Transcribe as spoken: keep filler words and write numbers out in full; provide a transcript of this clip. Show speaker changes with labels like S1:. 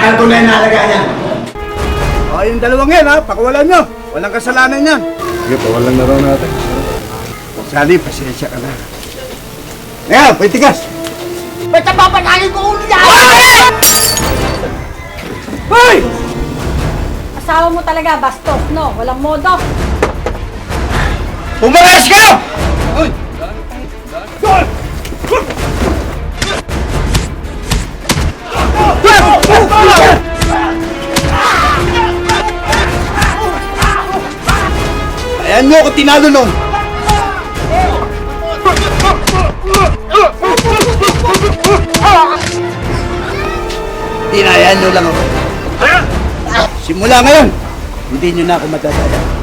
S1: Ang tunay na alaga niya.
S2: O, yung dalawang yan, ha? Pakawalan nyo. Walang kasalanan yan.
S3: Sige, pawalan na raw natin.
S2: Sali, pasensya ka na. Ngayon, pwitigas.
S1: Ba't napapatayin ko ulo niya?
S2: Hoy!
S4: Asawa mo talaga, bastos, no? Walang modo.
S2: Umalas ka! Hoy! Ayan nyo ako tinalo nun! Tinayaan nyo lang ako. Simula ngayon, hindi nyo na ako madadala.